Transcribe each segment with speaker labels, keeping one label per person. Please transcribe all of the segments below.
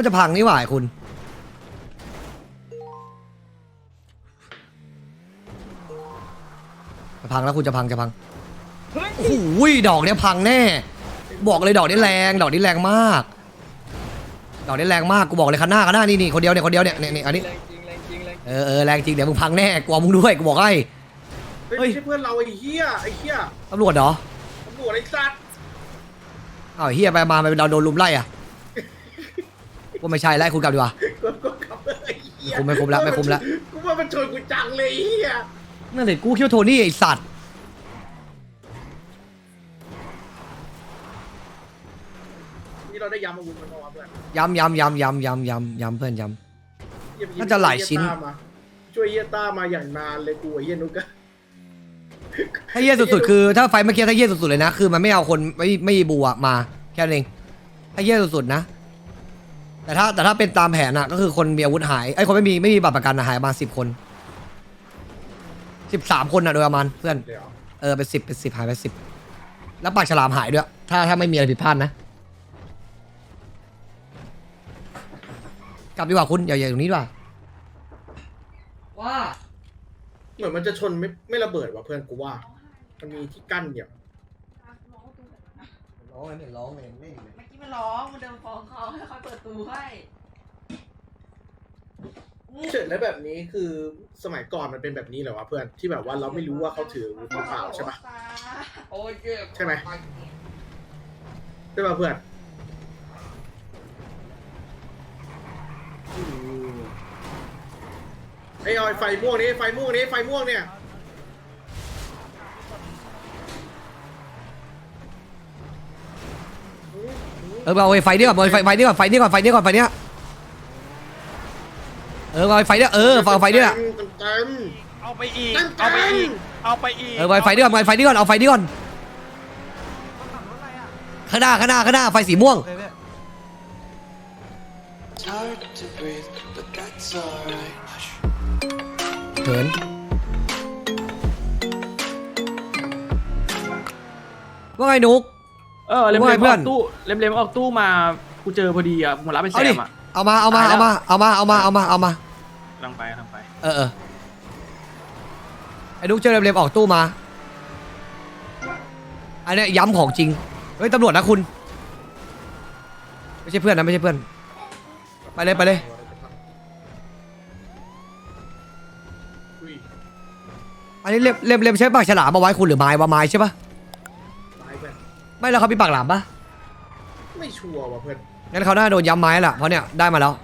Speaker 1: มันจะพังนี่หว่าคุณจะพังแล้วคุณจะพังโอ้โหดอกเนี้ยพังแน่บอกเลยดอกนี้แรงดอกนี้แรงมากดอกนี้แรงมากกูบอกเลยคันหน้านี่คนเดียวเนี่ยอันนี้แรงจริงเดี๋ยวมึงพังแน่กลัวมึงด้วยกูบอกให้
Speaker 2: ไม่ใช่เพื่อนเราไอ้เหี้ย
Speaker 1: ตำรวจเหรอ
Speaker 2: ตำรวจไอ้สัตว์
Speaker 1: อ้าวเฮียไปมาเราโดนลุมไล่อะว่าไม่ใช่ไล่คุณกลับดีกว่า
Speaker 2: ก็ขับไอ้เหี้ย
Speaker 1: ไม่คุมแล้ว
Speaker 2: กูว่ามันชนกูจังเลยไอ้เหี้ย
Speaker 1: นั่นเลยกูคิดว่าโทนี่ไอสัตว์
Speaker 2: นี่เราได้ย้ำอาวุธมันมาเพื่อน
Speaker 1: ย้ำเพื่อนย้ำน่าจะหลายชิ้น
Speaker 2: ช่วยเฮียต้ามาอย่างนานเลยกูไอ้เฮียนุกอะ
Speaker 1: ถ้าเยี่ยสุดๆคือถ้าไฟเมื่อกี้ถ้าเยี่ยสุดๆเลยนะคือมันไม่เอาคนไม่บูอะมาแค่นั้นเองถ้าเยี่ยสุดๆนะแต่ถ้าเป็นตามแผนอะก็คือคนมีอาวุธหายไอ้คนไม่มีบัตรประกันหายมา10 คน13 คนอะโดยประมาณเพื่อนเป็น10หายไป10แล้วปากฉลามหายด้วยถ้าไม่มีอะไรผิดพลาดนะกลับดีกว่าคุณอย่าตรงนี้ดีกว่า
Speaker 2: เหมือนมันจะชนไม่ระเบิดว่ะเพื่อนกูว่ามันมีที่กั้นอย่าง
Speaker 1: ร้องเลยร้องเลยไม่
Speaker 3: เมื่อกี้มันร้องมันเดินฟ้องเขาให้เขาเปิดตูให้
Speaker 2: เฉยแล้วแบบนี้คือสมัยก่อนมันเป็นแบบนี้เหรอวะเพื่อนที่แบบว่าเราไม่รู้ว่าเขาถืออาวุธเปล่าใช่ปะใช่ไหมใช่ปะเพื่อนไอ้ไฟม่วงเนี่ย
Speaker 1: เอาไฟนี่ก่อนไฟนี่ก่อนเเอาไฟนี่เอาไฟนี่
Speaker 4: เอาไปอีก
Speaker 1: ไฟนี่ก่อนเอาไฟนี่ก่อนข้างหน้าไฟสีม่วงเขินว่าไงนุ๊ก
Speaker 4: เล็มออกตู้เล็มออกตู้มากูเจอพอดีอ่ะมารับเป็นแซมอ่ะ
Speaker 1: เอามา
Speaker 4: ลังไป
Speaker 1: ไอ้นุ๊กเจอเล็มออกตู้มาอันนี้ย้ำของจริงเฮ้ยตำรวจนะคุณไม่ใช่เพื่อนนะไปเลยอันนี้เล็มใช้ปากฉลามมาไว้คุณหรือไม้ใช่ปะไม่แล้วเขามีปากหลามปะ
Speaker 2: ไม่ชัวร์ว่ะเพื่อน
Speaker 1: งั้นเขาน่าโดนย้ำไม้แหละเพราะเนี่ยได้มาแล้ว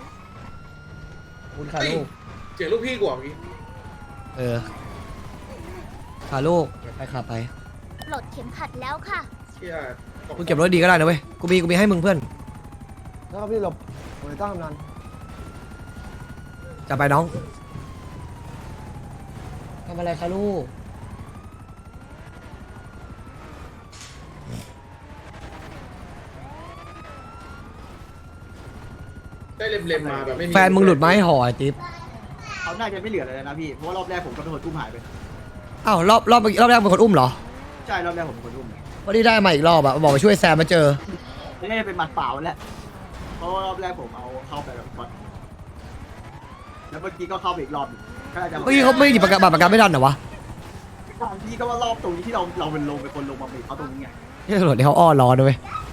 Speaker 1: คุณคาลูก
Speaker 2: เจ๋งลูกพี่กว่าพี่
Speaker 1: คาลูกไปขับไป
Speaker 5: ปลดเข็มขัดแล้วค่ะ
Speaker 1: คุณเก็บรถดีก็ได้นะเว้ยกูมีให้มึงเพื่อนแล้วพี่หลบโอ้ยต้องทำนานจะไปน้องทำอะไรคะลูก
Speaker 2: ได้เล็มมาแบบไม่มี
Speaker 1: แฟนมึงหลุดไหมห่อไอจิ๊บ
Speaker 6: เขาน่าจะไม่เหลือเลยนะพี่เพราะว่ารอบแรกผมก็เป็นคนอุ้มหายไป
Speaker 1: อ้าวรอบแรกเป็นคนอุ้มเหรอ
Speaker 6: ใช่รอบแรกผมเป็นคนอุ้ม
Speaker 1: วันนี้ได้มาอีกรอบอะบอกมาช่วยแซมมาเจอ
Speaker 6: นี่เป็นหมัดเปล่าแหละเพราะรอบแรกผมเอาเข้าไปแบบก่อนแล้วเมื่อกี้ก็เข้าไปอีกรอบ
Speaker 1: เมื่อกี้เขาไม่หยิบบัตรประกันไม่ทันเหรอวะ
Speaker 6: พี่ก็ว่ารอบตรงนี้ที่เราเป็นคนลงมาเบรกเขาตรงนี้ไง
Speaker 1: ที่ตำรวจที่เขาอ้อรอด้วย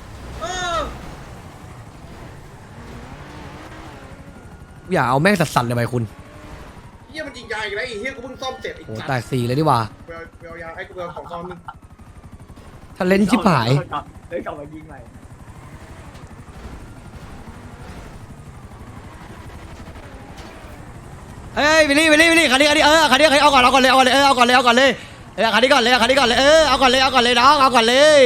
Speaker 1: อย่าเอาแม่งสั่นๆเลยไปคุณ
Speaker 2: เฮียมันยิงยาอีกแล้วไอ้เฮียกูเพิ่งซ่อมเสร็จอีก
Speaker 1: โอ้แตก4เลยดีกว่า
Speaker 2: เวลยาไอ้กูเวลของซ่อมนึง
Speaker 1: ถ้าเล่นชิบหาย
Speaker 6: เลยกลับมายิงใหม่
Speaker 1: เฮ้ยวิลลี่คันนี้คันนี้คันนี้เอาก่อนเลยคันนี้ก่อนเลยเอาก่อนเลยน้องเอาก่อนเลย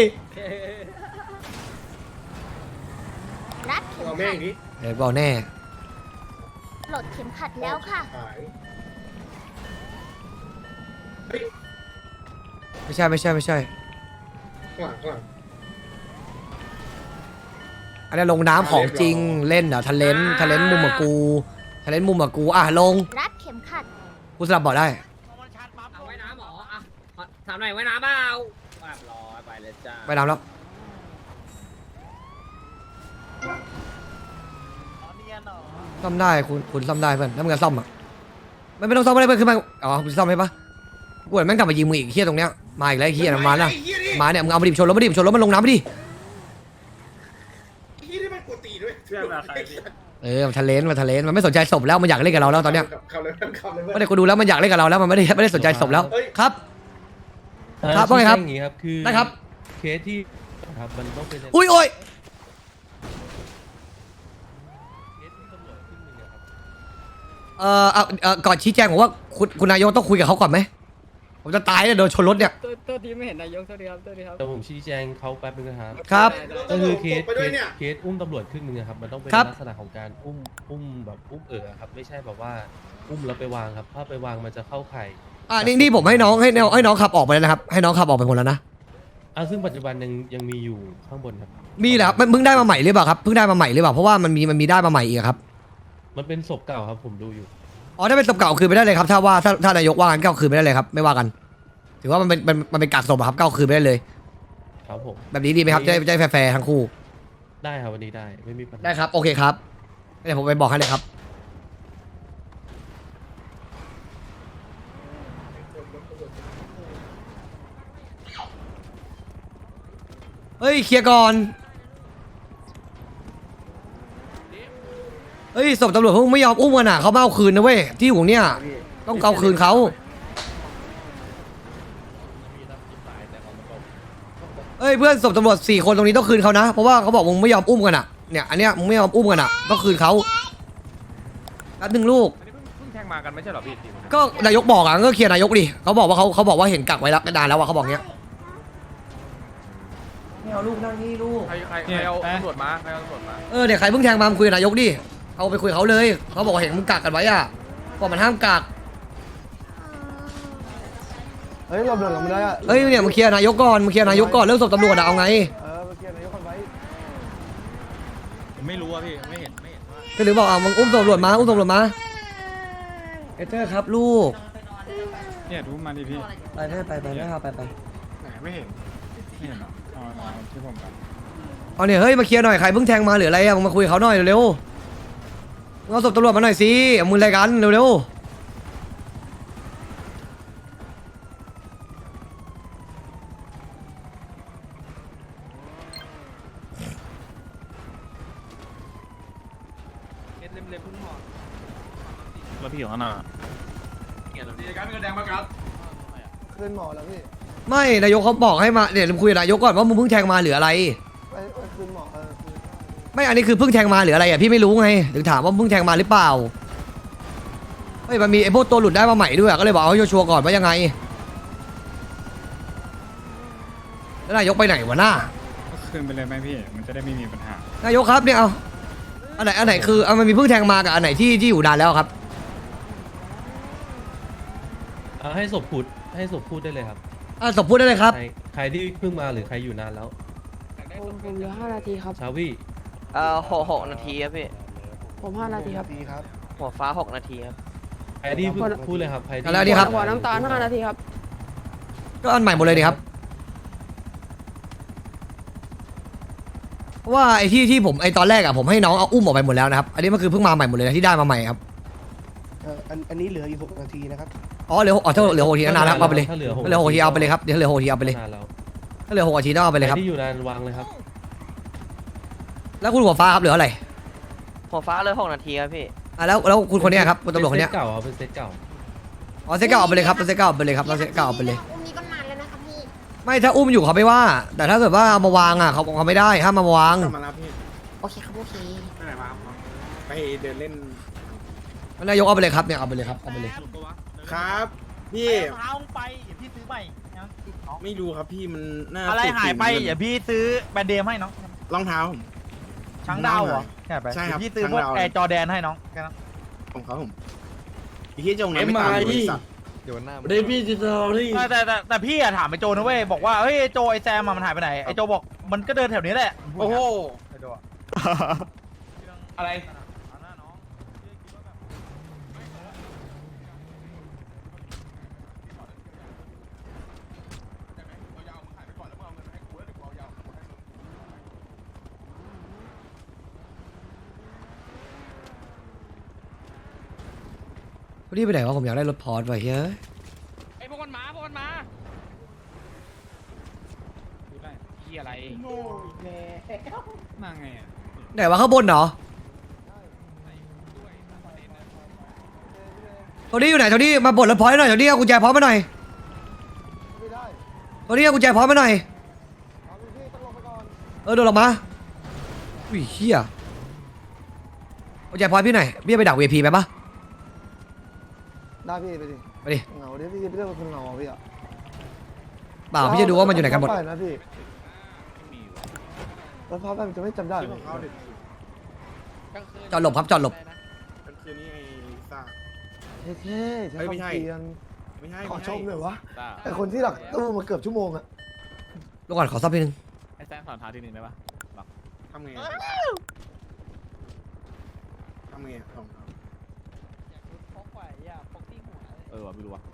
Speaker 5: รัดเข็มขัด
Speaker 1: บอกแน่
Speaker 5: ปลดเข็มขัดแล้วค่ะ
Speaker 1: ไม่ใช่
Speaker 2: ข้างหลัง
Speaker 1: อันนี้ลงน้ำของจริงเล่นเหรอทะเลนมุมกับกูอ่ะลง
Speaker 5: รัดเข็มขัด
Speaker 1: กูสลับบอกได้
Speaker 3: เอาไว้น้ำหรออ่ะถามหน่อยไว้น้ำเปล่าร้อยไปเลยจ้า
Speaker 1: ไปน้ำแล้วซ่อมได้คุณซ่อมได้เพื่อนถ้ามึงจะซ่อมอ่ะไม่ต้องซ่อมอะไรเพื่อนขึ้นมาอ๋อคุณซ่อมให้ปะกูเห็นแม่งกลับมายิงมึงอีกเฮียตรงเนี้ยมาอีกแล้วไอ้เฮียมาแล้วมาเนี่ยมึงเอามาดิชนรถมาดิชนรถมันลงน้ำไปดิ
Speaker 2: ที่ได้มันกดตีด้วย
Speaker 4: เชื่อมาใครพี่
Speaker 1: มันทะเลนมันไม่สนใจศพแล้วมันอยากเล่นกับเราแล้วตอนเนี้ย
Speaker 2: ขับเลยขับเลย
Speaker 1: ไม่ได้กูดูแล้วมันอยากเล่นกับเราแล้วมันไม่ได้สนใจศพแล้วครับ ครับว่าไงครับ
Speaker 7: อย่างงี้ครับคือ
Speaker 1: ได้ครับ
Speaker 7: เคสที่ครับมันต้องเป็น
Speaker 1: อุ้ย
Speaker 7: เคสที่ตำรวจครึ่งหนึ่งอะครับ
Speaker 1: ก่อนชี้แจงผมว่าคุณนายกต้องคุยกับเขาก่อนไหมผมจะตายเลยโดนชนรถเนี่ย
Speaker 3: ตัวทีไม่เห็นนายกตัวดีครับตัวดีครับ
Speaker 7: แต่ผมชี้แจงเขาแป๊บนึงนะครับ
Speaker 1: ครับ
Speaker 7: ก็คือเคส
Speaker 2: ไปด้วยเนี่ย
Speaker 7: เคสอุ้มตำรวจครึ่งหนึ่งอะครับมันต้องเป็น
Speaker 1: ครับ
Speaker 7: ลักษณะของการอุ้มแบบอุ้มครับไม่ใช่แบบว่าอุ้มแล้วไปวางครับถ้าไปวางมันจะเข้าข่าย
Speaker 1: นี่ผมให้น้องขับออกไปแล้วนะครับให้น้องขับออกไปหมดแล้วนะ
Speaker 7: ซึ่งปัจจุบันยังมีอยู่ข้างบนครับ
Speaker 1: มีเหรอครับมันเพิ่งได้มาใหม่หรือเปล่าครับเพิ่งได้มาใหม่หรือเปล่าเพราะว่ามันมีได้มาใหม่อีกครับ
Speaker 7: มันเป็นศพเก่าครับผมดูอยู่
Speaker 1: อ๋อถ้าเป็นศพเก่าคืนไปได้เลยครับถ้านายกว่ากันก็เอาคืนไปได้เลยครับไม่ว่ากัน ถือว่ามันเป็นกากศพอะครับก็เอาคืนไปได้เลย
Speaker 7: ครับผม
Speaker 1: แบบนี้ดีไหมครับจะได้แฟร์ๆทั้งคู่
Speaker 7: ได้ครับวันนี้ได้ไม่มีปัญหา
Speaker 1: ได้ครับโอเคครับเดี๋ยวผมไปบอกให้เลยครับเฮ้ยเคลียร์ก่อนเฮ้ยศพตำรวจเขาไม่ยอมอุ้มกันอ่ะเขาไม่เอาคืนนะเว้ยที่อยู่เนี่ยต้องเอาคืนเขาเฮ้ยเพื่อนศพตำรวจ4 คนตรงนี้ต้องคืนเขานะเพราะว่าเขาบอกมึงไม่ยอมอุ้มกันอ่ะเนี่ยอันเนี้ยมึงไม่ยอมอุ้มกันอ่ะต้องคืนเขาแป๊บนึงลูก
Speaker 4: อันนี้เพิ่งแทงมากันไม่ใช่เหรอพี่
Speaker 1: ก็นายกบอกอ่ะก็เคลียร์นายกดิเขาบอกว่าเห็นกักไว้แล้วนานแล้วอ่ะเขาบอกเงี้ยไม่เอาลูกนั่งนี่ลูก
Speaker 4: ใครเอาตำรวจมา
Speaker 1: เนี่ยใครเพิ่งแทงมาคุยกับนายกดิเอาไปคุยกับเขาเลยเขาบอกว่าเห็นมึงกักกันไว้อ่ะบอกมันห้ามกัก
Speaker 6: เฮ้ยเราเดินเราไม่ได้อะ
Speaker 1: เฮ้ยเนี่ยมึงเคลียร์นายกก่อนเรื่องศพตำรวจอะเอาไง
Speaker 6: เมื่อกี้นายกคนไว้
Speaker 8: ผมไม่รู้อะพี่ไม่เห็นว่า
Speaker 1: ก็หรือบอกมึงอุ้มตำรวจมาเอเธอร์ครับลูก
Speaker 8: เนี่ยดูมาดิพี่
Speaker 1: ไปไม่ครับไป
Speaker 8: ไหนไม่เห็นหรอเอาที่ผมกัน
Speaker 1: เอาเนี่ยเฮ้ยมาเคลียร์หน่อยใครเพิ่งแทงมาหรืออะไรอะมึงมาคุยกับเขาหน่อยเร็วๆมึงเอาศพตำรวจมาหน่อยสิเอามืออะไรกันเร็วๆ
Speaker 8: แล้วพี่ของน่ะ
Speaker 6: ขึ้นหมอแล้วพี่
Speaker 1: ไม่นายกเขาบอกให้มาเดี๋ยวมึงคุยกับนายกก่อนว่ามึงเพิ่งแทงมาหรืออะไร
Speaker 6: ขึ้นหมอ
Speaker 1: ไม่อันนี้คือเพิ่งแทงมาหรืออะไรอ่ะพี่ไม่รู้ไงถึงถามว่าเพิ่งแทงมาหรือเปล่าเฮ้ยมันมีไอ้พวกตัวหลุดได้มาใหม่ด้วยก็เลยบอกเอาให้ชัวร์ๆก่อนว่ายังไงแล้วนายกไปไหนวะหน้า
Speaker 8: คืนไปเลยไหมพี่มันจะได้ไม่มีปัญหาน
Speaker 1: ายกครับเนี่ยเอาอันไหนคือมันมีเพิ่งแทงมากับอันไหนที่อยู่นานแล้วครับ
Speaker 7: ให้ศพพูดได้เลยครับ
Speaker 1: ศพพูดได้เลยครับ
Speaker 7: ใครที่เพิ่งมาหรือใครอยู่นานแล้ว
Speaker 9: ผมเหลือ5 นาทีครับ
Speaker 7: ชาวี่
Speaker 3: 6 นาทีครับพี่
Speaker 9: ผม5 นาทีครับ
Speaker 6: ดีครับ
Speaker 3: หัวฟ้า 6 นาทีครับ
Speaker 7: ใครที่เพิ่งพูดเลยครับใครที่
Speaker 1: แล้วนี่ครับ
Speaker 9: หัวน้ำตาล5 นาทีครับ
Speaker 1: ก็อันใหม่หมดเลยดิครับเพราะว่าไอ้ที่ผมไอ้ตอนแรกอะผมให้น้องเอาอุ้มออกไปหมดแล้วนะครับอันนี้มันคือเพิ่งมาใหม่หมดเลยนะที่ได้มาใหม่ครับ
Speaker 6: อันนี้เหลืออยู่6 นาทีนะครับ
Speaker 1: อ๋อเหลือถ้าเหลือ6 นาทีนานแล้วเอาไปเลย
Speaker 7: ถ้าเหลือ
Speaker 1: ถ้าเหลือ6 นาทีเอาไปเลยครับเดี๋ยวเหลือ6 นาทีเอาไปเลย
Speaker 7: นานแล้ว
Speaker 1: ถ้าเหลือ6 นาทีต้องเอาไปเลย
Speaker 7: ใค
Speaker 1: ค
Speaker 7: ร
Speaker 1: รับ
Speaker 7: ที่อยู่นานวางเลยครับ
Speaker 1: แล้วคุณหัวฟ้าครับเหลืออะไร
Speaker 3: หัวฟ้าเลย 6 นาทีครับพี่
Speaker 1: แล้วคุณคนเนี้ยครับคุณตำรวจคนเนี้ย
Speaker 7: เก่าครับเป็นเซตเก่า
Speaker 1: อ๋อเซตเก้าเอาไปเลยครับเซตเก้าเอาไปเลยครับเซตเก้าเอาไปเลย
Speaker 5: อุ้มนี้ก็นานแล้วนะคะพี่
Speaker 1: ไม่ถ้าอุ้มอยู่เขาไม่ว่า แต่ถ้าเกิดว่าเอามาวางอ่ะเขาไม่ได้ห้ามมาวาง
Speaker 2: กลับมารับพี่
Speaker 5: โอเคครับโอเค
Speaker 2: ไปไหนมาครับไปเดินเล่น
Speaker 1: นายกเอาไปเลยครับเนี่ยเอาไปเลยครับเอาไปเลย
Speaker 2: ครับพี่
Speaker 10: เท้าไปอย่าพี่ซื้อใหม่นะ
Speaker 2: ไม่รู้ครับพี่มันน่า
Speaker 10: อะไรหายไป
Speaker 2: ติด
Speaker 10: อย่าพี่ซื้อแบรนด์เดมให้น้อง
Speaker 2: รองเท้าผม
Speaker 10: ช้างดาวเหรอ
Speaker 2: ใช่ครับ
Speaker 10: เดี๋ยวพี่ซื้อพวก
Speaker 2: ช้างดาว
Speaker 10: แอร์จอแดนให้น้องแค่นั้น
Speaker 2: ของเขาผมพี่ที่จงนั้นไม่ตามบริษัท
Speaker 6: เดพี่จิตอรี่
Speaker 10: แต่พี่อะถามไอโจนะเว้ยบอกว่าเฮ้ยไอโจไอแซมอะมันหายไปไหนไอโจบอกมันก็เดินแถวนี้แหละ
Speaker 2: โอ้โห
Speaker 10: ไอโจอะ
Speaker 4: อะไร
Speaker 1: เวันนี้ไปไหนวะผมอยากได้รถพอร์ตไว้เฮ้ย
Speaker 4: ไอ้พวกมันมาเฮียอะไร
Speaker 8: โง่อีกแล้วมาไงอ่ะ
Speaker 1: ไหนวะข้างบนเหรอโทนี่อยู่ไหนโทนี่มาบดรถพอร์ตหน่อยโทนี่เอากุญแจพร้อมมาหน่อยโทนี่เอากุญแจพร้อมมาหน่อยเดินลงมาอุ้ยเฮียกุญแจพร้อมพี่หน่อยพี่ไปดัก VIP ไปปะ
Speaker 6: ได้พี่ไปดิ
Speaker 1: ไปดิ
Speaker 6: เหงาดิพี่เรื่องคนเหงาพี่อ่ะ
Speaker 1: เปล่าพี่จะดูว่ามันอยู่ไหนกันหมด
Speaker 6: นะพี่รถพาไปมันจะไม่จำได้
Speaker 2: ที่ของเขาเด็ก
Speaker 1: จอดหลบครับจอดหลบ
Speaker 2: มันคือนี่ไอ้ลิซ่า
Speaker 6: เท่ๆใช้
Speaker 2: ไม่
Speaker 6: คำ
Speaker 2: ใช่
Speaker 6: เตียน
Speaker 2: ไม่ใช่
Speaker 6: ขอ
Speaker 2: ไม่
Speaker 6: ช
Speaker 2: ใช่
Speaker 6: มหน่อยวะไอคนที่หลักตู้มาเกือบชั่วโมงอะ
Speaker 1: ลูกก่อนขอซับนิดนึง
Speaker 4: ไอ้แซมสอนท้าทีหนึ่งได้ปะ
Speaker 2: ทำไงทำไงของเขา
Speaker 4: ว่ะไม่รู้ว่ะ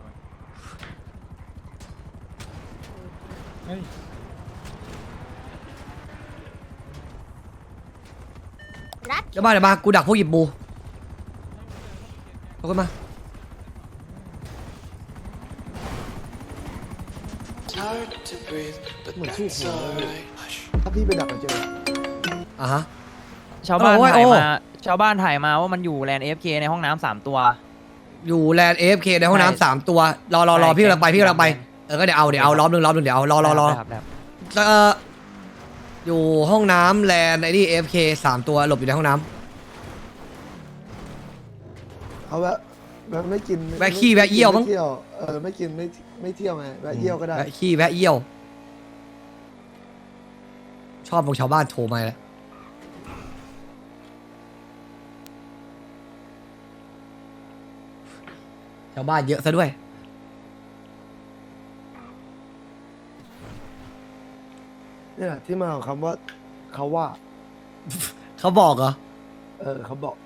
Speaker 5: รัด
Speaker 1: เดี๋ยวมากูดักพวกหยิบบูเอาขึ้นมา
Speaker 6: เหมือนชื่อหัวเลยถ้าพี่ไปดักมันเจอ
Speaker 1: อ่ะฮะ
Speaker 3: ชาวบ้าน
Speaker 1: โอ้ย
Speaker 3: ถ่าย
Speaker 1: โอ้
Speaker 3: มาชาวบ้านถ่ายมาว่ามันอยู่แลนด์ AFK ในห้องน้ำ3 ตัว
Speaker 1: อยู่แลนด์ AFK ในห้อง
Speaker 3: ใช่
Speaker 1: น้ำ3 ตัวรอพี่กำลังไปก็เดี๋ยวเอาล้อมหนึ่งเดี๋ยวรอ
Speaker 3: ครับครับ
Speaker 1: อยู่ห้องน้ำแลนด์ไอ้นี่ AFK 3 ตัวหลบอยู่ในห้องน้
Speaker 6: เขาแวะไม่กิน
Speaker 1: ำแวะขี้แวะเยี่ยวมั้ง
Speaker 6: ไม่เที่ยวไม่กินไม่เที่ยวไงแวะเยี่ยวก็ได้
Speaker 1: แวะขี้แวะเยี่ยว ชอบพวกชาวบ้านโทรมาแล้วชาวบ้านเยอะซะด้วย
Speaker 6: เนี่ยที่มาของคำว่าเขาว่า
Speaker 1: เขาบอกเหรอ
Speaker 6: เขาบอก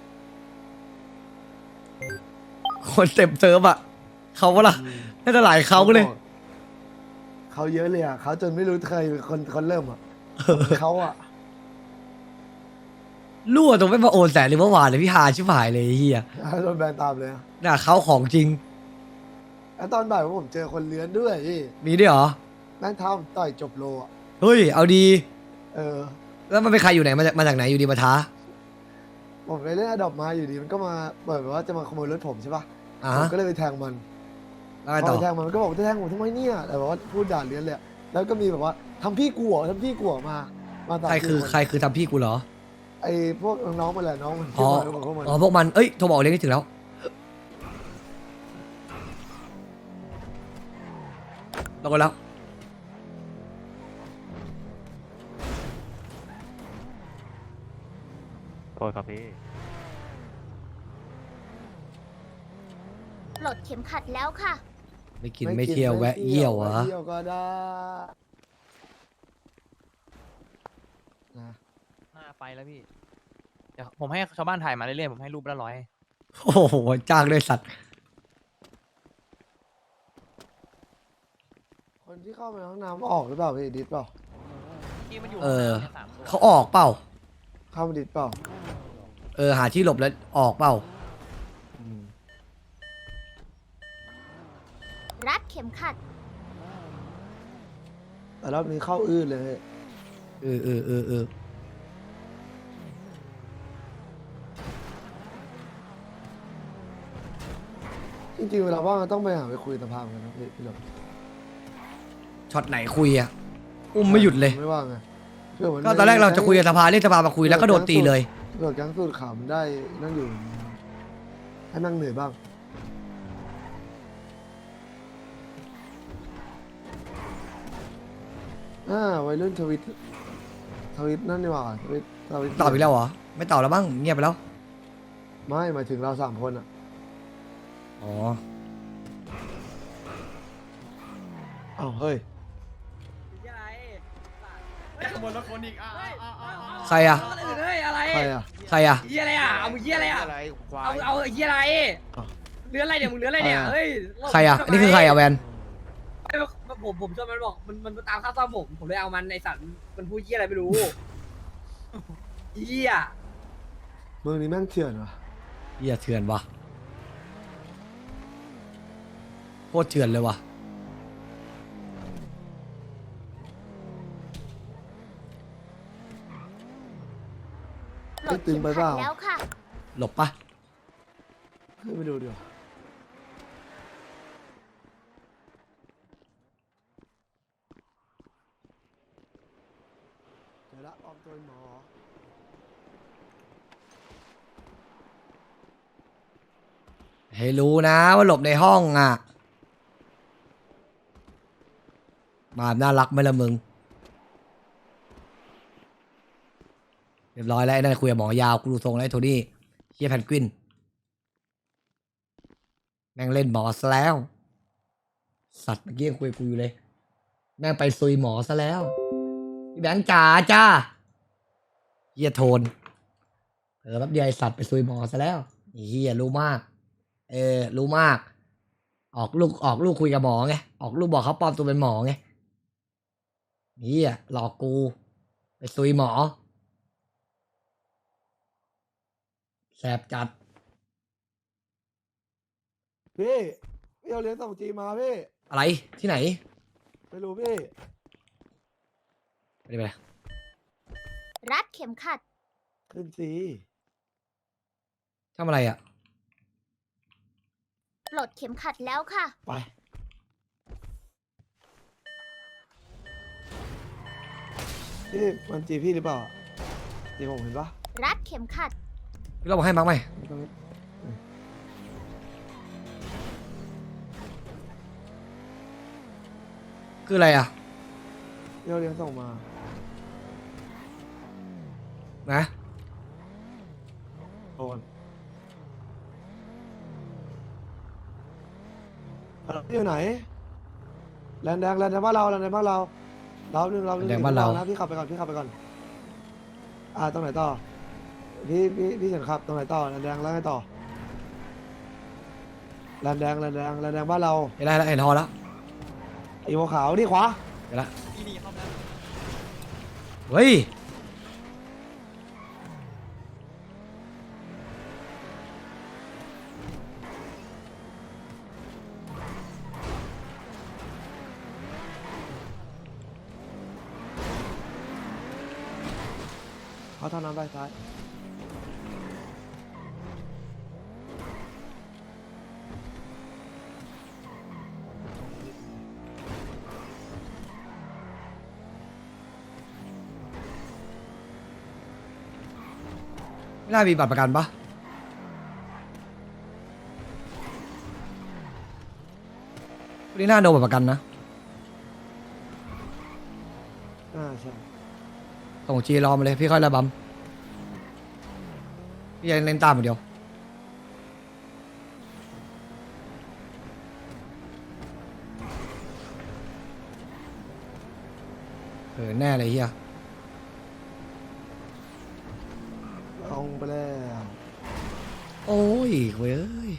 Speaker 1: คนเต็มเซิร์ฟอ่ะเขาว่าล่ะน่าจะหลายเขาเลย
Speaker 6: เขาเยอะเลยอ่ะเขาจนไม่รู้ใครเป็นคนเริ่มอ่ะเขาอ่ะ
Speaker 1: รั่วตรงไม่มาโอนแสนหรือเมื่อวานเลยพี่ฮาชิบหายเลยไอ้เฮีย
Speaker 6: โดนแบนตามเลยอะ
Speaker 1: น่าเขาของจริง
Speaker 6: แล้วตอนบ่ายผมเจอคนเลื้อนด้วยพี่
Speaker 1: มีด้วยเหรอ
Speaker 6: นั่งเท้าผมต่อยจบโลอ่ะ
Speaker 1: เฮ้ยเอาดี
Speaker 6: เออ
Speaker 1: แล้วมันเป็นใครอยู่ไหนมาจากไหนอยู่ดีมาท้า
Speaker 6: ผมไปเล่นอดอบมาอยู่ดีมันก็มาเปิดแบบว่าจะมาขโมยรถผมใช่ปะ
Speaker 1: อ่า
Speaker 6: ผม
Speaker 1: ฮะ
Speaker 6: ก็เลยไปแทงมัน
Speaker 1: แล้วไง
Speaker 6: พ
Speaker 1: ต่
Speaker 6: อ
Speaker 1: อ
Speaker 6: ไปแทงมันก็บอกจะแทงผมทำไมเนี่ยแต่แบบว่าพูดด่าเลื้อนเลยอะแล้วก็มีแบบว่าทำพี่กูเหรอทำพี่กูเหรอมาตาม
Speaker 1: ใครคือทำพี่กูเหรอ
Speaker 6: ไอ้พวกน้องๆมันแหละน้องมัน
Speaker 1: อ๋อ
Speaker 6: ที่มาพวกมัน
Speaker 1: อ๋อพวกมันเอ้ยโทรบอกเรียกนี่ถึงแล้วลงกันแล้ว
Speaker 7: โทษครับพี่
Speaker 5: ปลดเข็มขัดแล้วค่ะ
Speaker 1: ไม่กินไม่เที่ยวแวะเยี่ยวเหรอ
Speaker 6: แะเยี่ยวก็ได้นะ
Speaker 3: หน้าไปแล้วพี่เดี๋ยวผมให้ชาวบ้านถ่ายมาเรื่อยๆผมให้รูปละ100
Speaker 1: โอ้โหจ้างด้วยสัตว์
Speaker 6: คนที่เข้าไปในห้องน้ำออกหรือเปล่าพี่ดิสเปล่า
Speaker 3: ที่มันอยู่
Speaker 1: เออ
Speaker 3: ใน3 ตัว
Speaker 1: เขาออกเปล่า
Speaker 6: เข้ามาดิสเปล่า
Speaker 1: หาที่หลบแล้วออกเปล่า
Speaker 5: รัดเข็มขัด
Speaker 6: แต่รอบนี้เข้าอื้อเลย
Speaker 1: เออ
Speaker 6: จริงๆเวลาว่างต้องไปหาไปคุยสภากันนะพี่หลบ
Speaker 1: ช็อตไหนคุยอ่ะอุ้มไม่หยุดเลย
Speaker 6: ไม่ว่างไงเพื่อมัน
Speaker 1: ก็ตอนแรกเราจะคุยกับสภาเรียกสภามาคุยแล้วก็โดนตีเลย
Speaker 6: เกิดแก๊งสูตรขาวมันได้นั่งอยู่ให้นั่งเหนื่อยบ้างวัยรุ่นทวิตนั่นดีกว่าทวิต
Speaker 1: ตอบอีกแล้วเหรอ ไม่ตอบแล้วบ้างเงียบไปแล้ว
Speaker 6: ไม่หมายถึงเรา3 คนอ่ะ
Speaker 1: อ๋อ
Speaker 6: อ้าวเฮ้ย
Speaker 8: ขโมยรถคนอีก
Speaker 1: ใครอ่ะ
Speaker 3: เฮ้ยอะไร
Speaker 6: ใครอ่ะ
Speaker 1: ใครอ่ะ
Speaker 3: เหี้ยอะไรอ่ะเอามึงเหี้ยอะไรอ่ะเอาเหี้ยอะไร
Speaker 6: อ้าว
Speaker 3: เลื้อนอะไรเนี่ยมึงเลื้อนอะไรเนี่ยเฮ้ย
Speaker 1: ใครอ่ะอันนี้คือใครอ่ะแวน
Speaker 3: ผมชอบมันบอกมันตามข้าวซ่อมผมเลยเอามันในสัตว์มันพูดเหี้ยอะไรไม่รู้เหี้ย
Speaker 6: เมืองนี้แม่งเถื่อนว่ะ
Speaker 1: เหี้ยเถื่อนวะโคตรเถื่อนเลยว่ะ
Speaker 5: ปลดเข็มขัดแล้วค่ะ
Speaker 1: หลบปะ
Speaker 6: ขึ้นไปดูดีกว่าเจอละปลอมตัวเป็นหมอ
Speaker 1: ให้รู้นะว่าหลบในห้องอ่ะมาน่ารักไหมล่ะมึงเรียบร้อยแล้วไอ้นั่นคุยกับหมอยาวกูดูทรงแล้วไอ้โทนี่เฮียแพนกวินแม่งเล่นหมอซะแล้วสัตว์เมื่อกี้ยังคุยกับกูอยู่เลยแม่งไปซุยหมอซะแล้วพี่แบงค์จ๋าจ้าเฮียโทนแป๊บเดียวไอสัตว์ไปซุยหมอซะแล้วเฮียรู้มากรู้มากออกลูกคุยกับหมอไงออกลูกบอกเขาปลอมตัวเป็นหมอไงเฮียหลอกกูไปซุยหมอแสบจัด
Speaker 6: พี่เอาเหรียญส่งจีมาพี่
Speaker 1: อะไรที่ไหน
Speaker 6: ไม่รู้พี่
Speaker 1: ไปดิไปเลย
Speaker 5: รัดเข็มขัด
Speaker 6: ขึ้นสี
Speaker 1: ทำอะไรอ่ะ
Speaker 5: ปลดเข็มขัดแล้วค่ะ
Speaker 6: ไปพี่มันจีพี่หรือเปล่าจีผมเห็นปะ
Speaker 5: รัดเข็มขัด
Speaker 1: พี่เราบอกให้มั้งไหม
Speaker 6: ตรงนี้
Speaker 1: คืออะไรอ่ะ
Speaker 6: พี่เอาเหรียญส่งมา
Speaker 1: นะ
Speaker 6: โอนพี่อยู่ไหนแลนด์แดงบ้านเราแลนด์แดงบ้านเราเราหนึ่งนะพี่ขับไปก่อนตรงไหนต่อพี่เฉินขับตรงไหนต่อแลนด์แดงแล้วไงต่อแลนด์แดงบ้านเรา
Speaker 1: เห็นอะไรแล้วเห็นทอแล้ว
Speaker 6: ไอ้หัวขาวนี่ขวา
Speaker 1: เห็นละเฮ้ย
Speaker 6: เขาทำน้ำได้ซ้าย
Speaker 1: ไม่น่ามีบัตรประกันปะวันนี้น่าโดนบัตรประกันนะ
Speaker 6: ใช่
Speaker 1: ส่งจีรอมาเลยพี่ค่อยระบำพี่ยังเล่นตามอย่างเดียวแน่เลยเฮีย
Speaker 6: ลงไปแล้ว
Speaker 1: โอ้ยเว้ย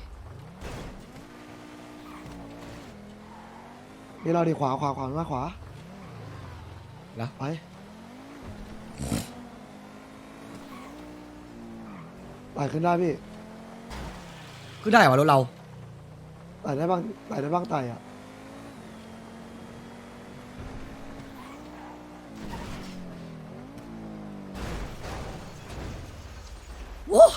Speaker 6: นี่เราดีขวามาขวา
Speaker 1: แล้ว
Speaker 6: ไปไต่ขึ้นได้พี่
Speaker 1: คือได้เหรอรถเรา
Speaker 6: ไต่ได้บ้างไต่อะ
Speaker 1: โอ้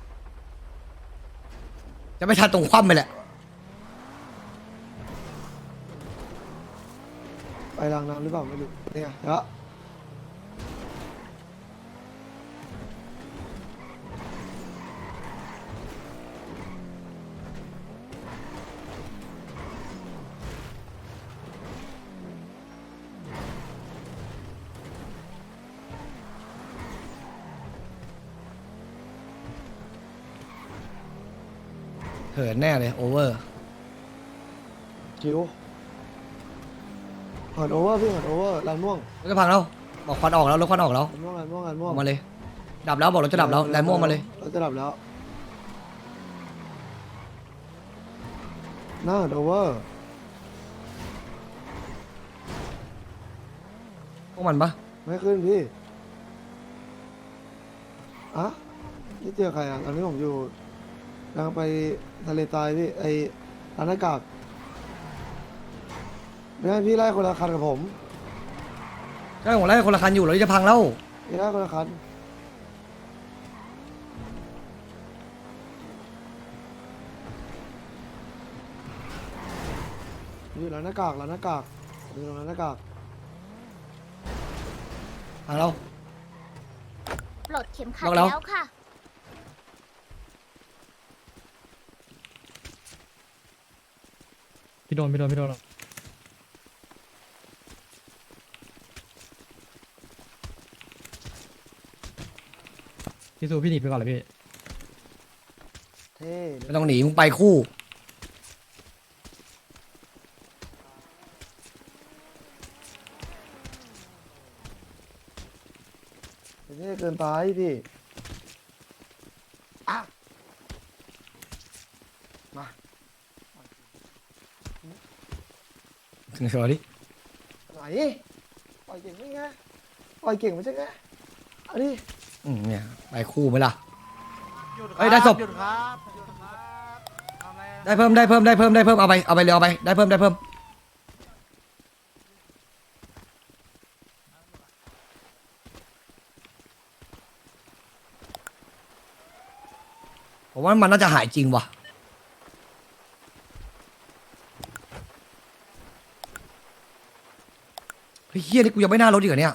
Speaker 1: จะไม่ทันตรงคว่ำไปแหละ
Speaker 6: ไปรางน้ำหรือเปล่าไม่รู้นี่ไงแล้ว
Speaker 1: เหินแน่เลยโอเวอร์
Speaker 6: คิวหันโอเวอร์พี่หันโอเวอร์ลานม่วง
Speaker 1: รถจะพังแล้วบอกควันออกแล้วรถควันออกแล้ว
Speaker 6: ลานม่วง
Speaker 1: อ
Speaker 6: ม่วง
Speaker 1: อกมาเลย ดับแล้วบอกรถจะดับแล้วแลนม่วงมาเลย
Speaker 6: รถจะดับแล้วหน้าหันโอเวอร์
Speaker 1: พวกมันปะ
Speaker 6: ไม่ขึ้นพี่อะนี่เจอใครอ่ะตอนนี้ผมอยู่กำลังไปทะเลทรายพี่ไอ้ร้านหน้ากากไม่ให้พี่ไล่คนละคันกับผม
Speaker 1: ใช่ผมไล่คนละคันอยู่แล้วจะพังแล้ว
Speaker 6: พี่ไล่คนละคันอยู่หลังหน้ากากอยู่หลังหน้ากาก
Speaker 1: พังแล้ว
Speaker 5: ปลดเข็มขัด
Speaker 1: บอกแล้ว
Speaker 5: แล้วค่ะ
Speaker 7: พี่โดนพี่สู้พี่หนีไปก่อนเลยพี่
Speaker 6: เท่
Speaker 1: ไม่ต้องหนีมึงไปคู่
Speaker 6: เท่เกินไปพี่อ่ะมา
Speaker 1: เดี๋ยวดิ
Speaker 6: ไหนปล่อยเก่งไม่ไงปล่อยเก่งไม่ใช่ไงเอาดิ
Speaker 1: เนี่ยไปคู่ไหมล่ะ
Speaker 10: หยุด
Speaker 1: เอ้ยได้ศพ
Speaker 10: หยุดครับหยุดครับทำอะไรอะ
Speaker 1: ได้เพิ่มเอาไปเลยเอาไปได้เพิ่มผมว่ามันน่าจะหายจริงว่ะเฮ้ยเฮียนี่กูยังไม่น่ารถอีกเหรอเนี่ย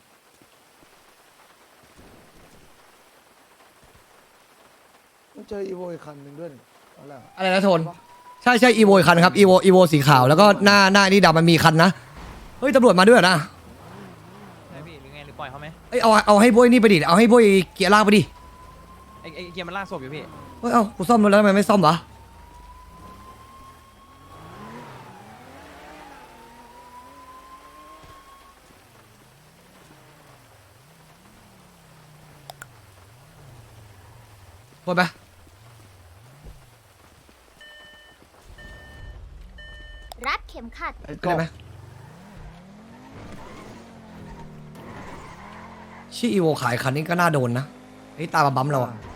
Speaker 6: ต้องเจออีโวอีกคันหนึ่งด้วยนี่เอาแล้ว
Speaker 1: อะไรนะโทนใช่อีโวคันครับอีโวสีขาวแล้วก็หน้านี่ดำมันมีคันนะเฮ้ยตำรวจมาด้วยเหรอนะ
Speaker 10: ไหนพี่หรือไงหรือปล่อยเขาไหม
Speaker 1: เอ้ยเอาให้บวยนี่ไปดิเอาให้บวยเกียร์ลากไปดิ
Speaker 10: ไอ้เกียร์มันลากศพอยู่พี่
Speaker 1: เฮ้ยเอากูซ่อมรถแล้วทำไมไม่ซ่อมวะพูดไป
Speaker 5: รัดเข็มขัด
Speaker 6: ไอ้ก
Speaker 1: ได้
Speaker 6: บ
Speaker 1: ไหมชื่ออีโวขายคันนี้ก็น่าโดนนะไอ้ตาบั๊มเราอะ